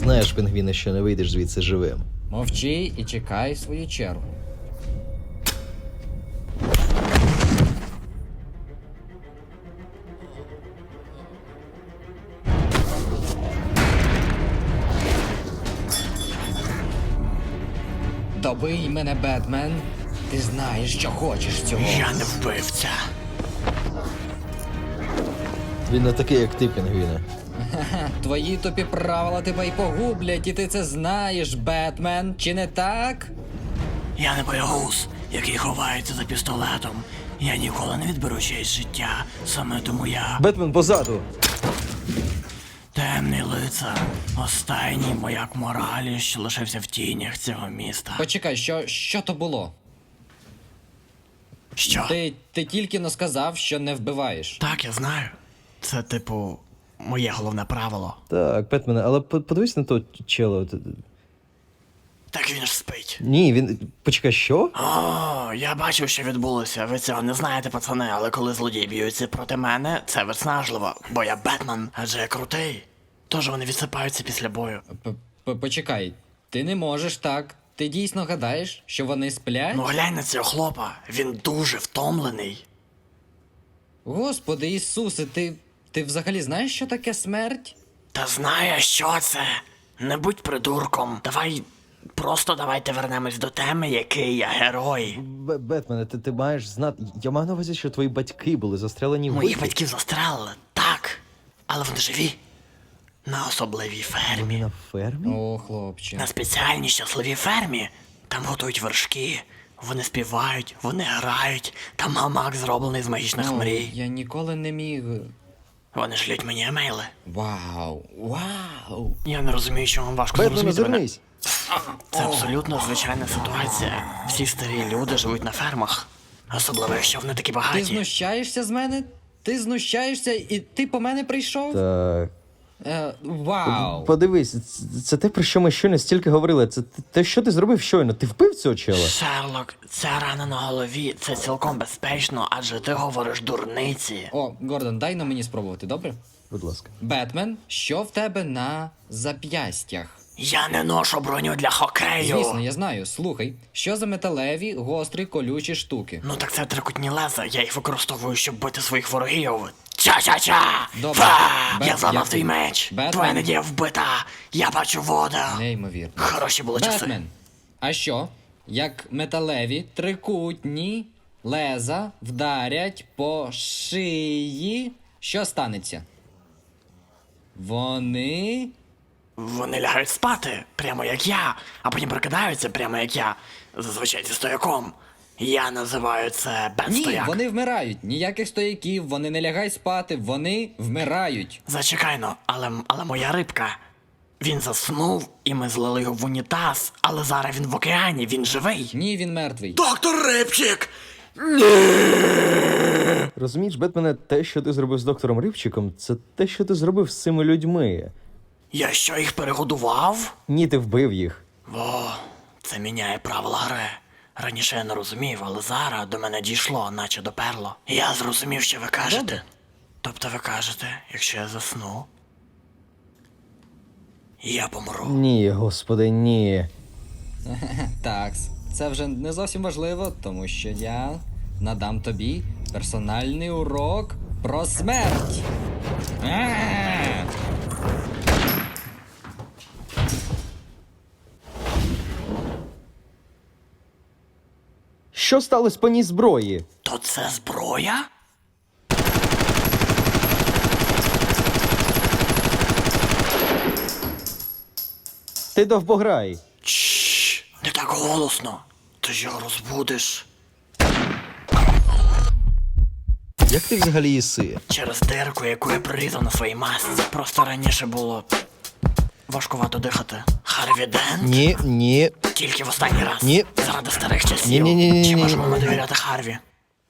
знаєш, пінгвіне, що не вийдеш звідси живим. Мовчи і чекай свою чергу. Добий мене, Бетмен. Ти знаєш, що хочеш цього. Я не вбивця. Він не такий, як ти, пінгвіне. Твої тупі правила тебе й погублять, і ти це знаєш, Бетмен, чи не так? Я не боягуз, який ховається за пістолетом. Я ніколи не відберу чиєсь життя, саме тому я Бетмен позаду! темний лицар, останній маяк моралі, що лишився в тінях цього міста. Почекай, що то було? Що? Ти тільки но сказав, що не вбиваєш. Так, я знаю. Це, типу, моє головне правило. Так, Бетмене, але подивись на то чело. Так він ж спить. Ні, він... Почекай, що? О, я бачив, що відбулося. Ви цього не знаєте, пацани, але коли злодії б'ються проти мене, це виснажливо, бо я Бетмен, адже я крутий. Тож вони відсипаються після бою. Почекай, ти не можеш так. Ти дійсно гадаєш, що вони сплять? Ну глянь на цього хлопа, він дуже втомлений. Господи Ісусе, ти взагалі знаєш, що таке смерть? Та знаю, що це. Не будь придурком. Давайте вернемось до теми, який я герой. Бетмене, ти маєш знати... Я маю на увазі, що твої батьки були застрелені в Моїх битві. батьків застрелили, так. Але вони живі. На особливій фермі. Вони на фермі? О, хлопче. На спеціальній щасливій фермі. Там готують вершки, вони співають, вони грають. Там гамак зроблений з магічних мрій. Я ніколи не міг... Вони шлють мені емейли. Вау. Я не розумію, що вам важко Бетмене, зрозуміти мене. звернись! Це абсолютно звичайна ситуація. Всі старі люди живуть на фермах. Особливо, якщо вони такі Ти багаті. знущаєшся з мене? Ти знущаєшся і ти по мене прийшов? Так... Вау. Подивись, це те, про що ми щойно стільки говорили. Це те, що ти зробив щойно. Ти вбив цього чела? Шерлок, ця рана на голові, це цілком безпечно, адже ти говориш дурниці. О, Гордон, дай на мені спробувати, добре? Будь ласка. Бетмен, що в тебе на зап'ястях? Я не ношу броню для хокею. Звісно, я знаю. Слухай, що за металеві, гострі, колючі штуки? Ну так це трикутні леза, я їх використовую, щоб бити своїх ворогів. Ча-ча-ча! Добре. Фа! Я Бет, зламав дякую. твій меч. Бетмен. Твоя надія вбита. Я бачу воду. Неймовірно. Хороші були часи. Бетмен, а що? Як металеві, трикутні леза вдарять по шиї, що станеться? Вони... Вони лягають спати, прямо як я, а потім прокидаються, прямо як я. Зазвичай зі стояком. Я називаю це Ні, бен-стояк. вони вмирають. Ніяких стояків, вони не лягають спати, вони вмирають. Зачекайно, але моя рибка. Він заснув, і ми злили його в унітаз, але зараз він в океані, він живий. Ні, він мертвий. Доктор Рибчик! Розумієш, Бетмене, те, що ти зробив з доктором Рибчиком, це те, що ти зробив з цими людьми. Я що, їх перегодував? Ні, ти вбив їх. О, це міняє правила гри. Раніше я не розумів, але зараз до мене дійшло, наче доперло. Я зрозумів, що ви кажете. Добре. Тобто ви кажете, якщо я засну, я помру. Ні, господи, ні. Такс, це вже не зовсім важливо, тому що я надам тобі персональний урок про смерть. Що сталося по ній зброї? То це зброя? Ти довбограй. Чш, не так голосно. Ти ж його розбудиш. Як ти взагалі їси? Через дирку, яку я прорізав на своїй масці. Просто раніше було важкувато дихати. Харві Дент? Ні. Тільки в останній раз. Ні. Заради старих часів. Ні. Чи можемо ми довіряти Харві?